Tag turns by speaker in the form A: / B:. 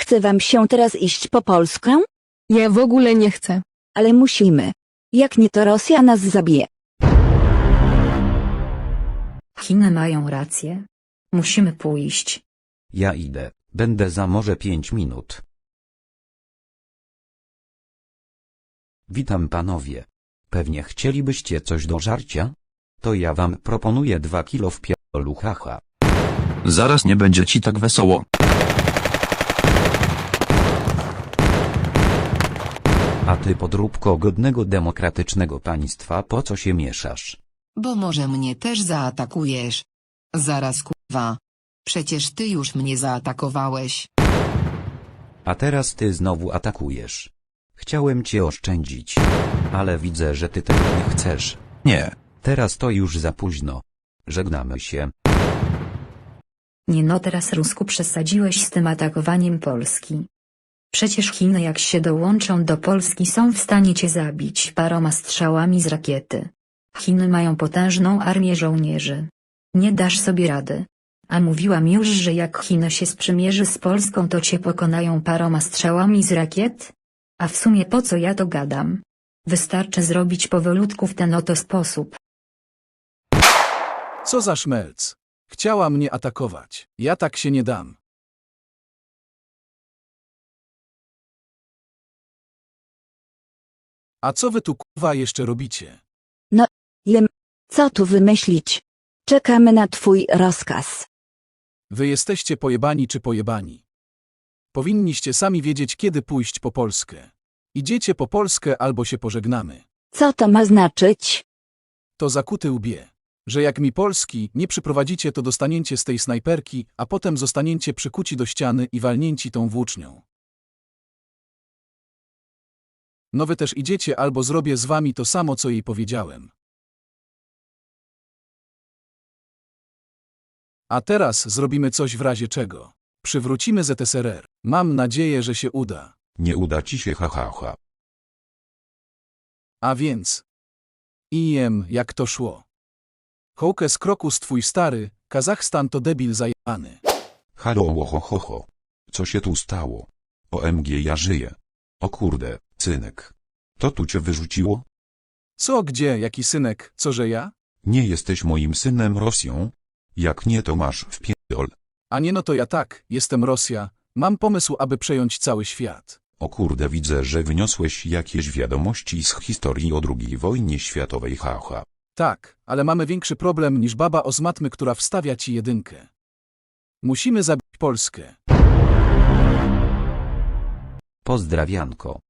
A: chce wam się teraz iść po Polskę?
B: Ja w ogóle nie chcę.
A: Ale musimy. Jak nie, to Rosja nas zabije.
C: Chiny mają rację. Musimy pójść.
D: Ja idę, będę za może 5 minut. Witam panowie. Pewnie chcielibyście coś do żarcia? To ja wam proponuję 2 kilo w pierdolu, haha.
E: Zaraz nie będzie ci tak wesoło.
D: A ty, podróbko godnego demokratycznego państwa, po co się mieszasz?
F: Bo może mnie też zaatakujesz. Zaraz kurwa. Przecież ty już mnie zaatakowałeś.
D: A teraz ty znowu atakujesz. Chciałem cię oszczędzić. Ale widzę, że ty tego nie chcesz.
E: Nie.
D: Teraz to już za późno. Żegnamy się.
C: Nie no, teraz Rusku przesadziłeś z tym atakowaniem Polski. Przecież Chiny, jak się dołączą do Polski, są w stanie cię zabić paroma strzałami z rakiety. Chiny mają potężną armię żołnierzy. Nie dasz sobie rady. A mówiłam już, że jak Chiny się sprzymierzy z Polską, to cię pokonają paroma strzałami z rakiet? A w sumie po co ja to gadam? Wystarczy zrobić powolutku w ten oto sposób.
G: Co za szmelc. Chciała mnie atakować. Ja tak się nie dam. A co wy tu kurwa jeszcze robicie?
A: Jem. Co tu wymyślić? Czekamy na twój rozkaz.
G: Wy jesteście pojebani czy pojebani? Powinniście sami wiedzieć, kiedy pójść po Polskę. Idziecie po Polskę albo się pożegnamy.
A: Co to ma znaczyć?
G: To zakuty łbie. Że jak mi Polski nie przyprowadzicie, to dostaniecie z tej snajperki, a potem zostaniecie przykuci do ściany i walnięci tą włócznią. No wy też idziecie, albo zrobię z wami to samo, co jej powiedziałem. A teraz zrobimy coś w razie czego. Przywrócimy ZSRR. Mam nadzieję, że się uda.
H: Nie uda ci się, ha.
G: A więc... jak to szło. Hołkes krokus twój stary, Kazachstan to debil zajebany.
H: Halo, ho. Co się tu stało? OMG, ja żyję. O kurde, synek. To tu cię wyrzuciło?
G: Co, gdzie, jaki synek, co że ja?
H: Nie jesteś moim synem Rosją? Jak nie, to masz w pierdol.
G: A nie, no to ja tak, jestem Rosja, mam pomysł, aby przejąć cały świat.
H: O kurde, widzę, że wyniosłeś jakieś wiadomości z historii o II wojnie światowej, haha.
G: Tak, ale mamy większy problem niż baba o z matmy, która wstawia ci jedynkę. Musimy zabić Polskę.
D: Pozdrawianko.